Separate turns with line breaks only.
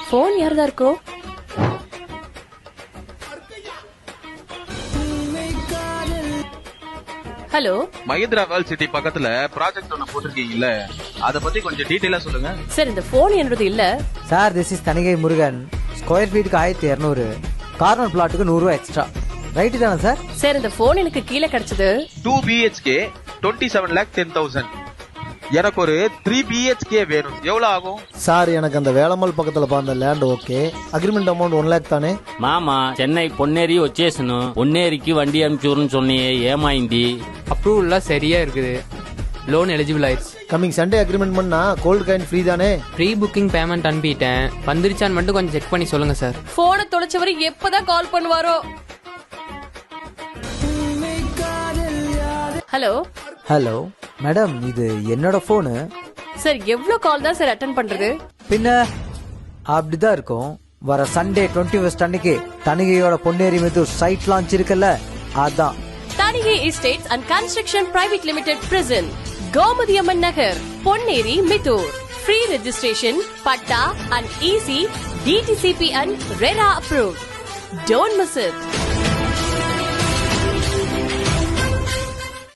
Phone யாரதா இருக்கோ? Hello,
Mahindra world city பக்கத்துல ப்ராஜெக்ட் ஒன்னு போட்டிருக்கீங்கல்ல, அத பத்தி கொஞ்சம் டீடைலா சொல்லுங்க.
சார் இந்த போன் என்னது இல்ல
sir. This is Thanigai Murugan. Square ஃபீட்டுக்கு 1200, கார்னர் பிளாட்டுக்கு 100 ரூபா எக்ஸ்ட்ரா. ரைட்டு தானே சார்?
சார் இந்த போன் எனக்கு கீழே கிடைச்சது
2 BHK 27,10,000. எனக்கு ஒரு 3 BHK வேணும். எவ்வளவு ஆகும்
சார்? எனக்கு அந்த வேளம்மாள் பக்கத்துல பார்த்த land okay. Agreement amount 1 lakh தானே?
மாமா சென்னை பொன்னேரி వచ్చేసను. பொன்னேரிக்கு வண்டி அனுப்பிச்சுன்னு சொன்னியே, ஏமாயிந்தி?
அப்ரூவல்லாம் சரியா இருக்குது. லோன் எலிஜிபிள் ஆயிடுச்சு.
கமிங் சண்டே அக்ரிமெண்ட் பண்ணா கோல்டு காயின் ஃப்ரீ தானே?
ப்ரீ புக்கிங் பேமெண்ட் அனுப்பிட்டேன். வந்துருச்சான்னு மட்டும் கொஞ்சம் செக் பண்ணி சொல்லுங்க சார்.
போனை தொலைச்சவரு எப்பதான் கால் பண்ணுவாரோ? ஹலோ
ஹலோ மேடம், இது என்னோட போனு.
சார் எவ்வளவு கால் தான் சார் அட்டென்ட் பண்றது?
பின்ன அப்படிதான் இருக்கும். வர சண்டே 21 அன்னைக்கு தனிகையோட பொன்னேரி மெத்தூர் சைட் லான்ச் இருக்குல்ல, அதான்.
Thanigai estates and construction private limited present Gomathi Amman Nagar, Ponneri, Mithur. Free registration, patta and easy DTCP and RERA approved. Don't miss it.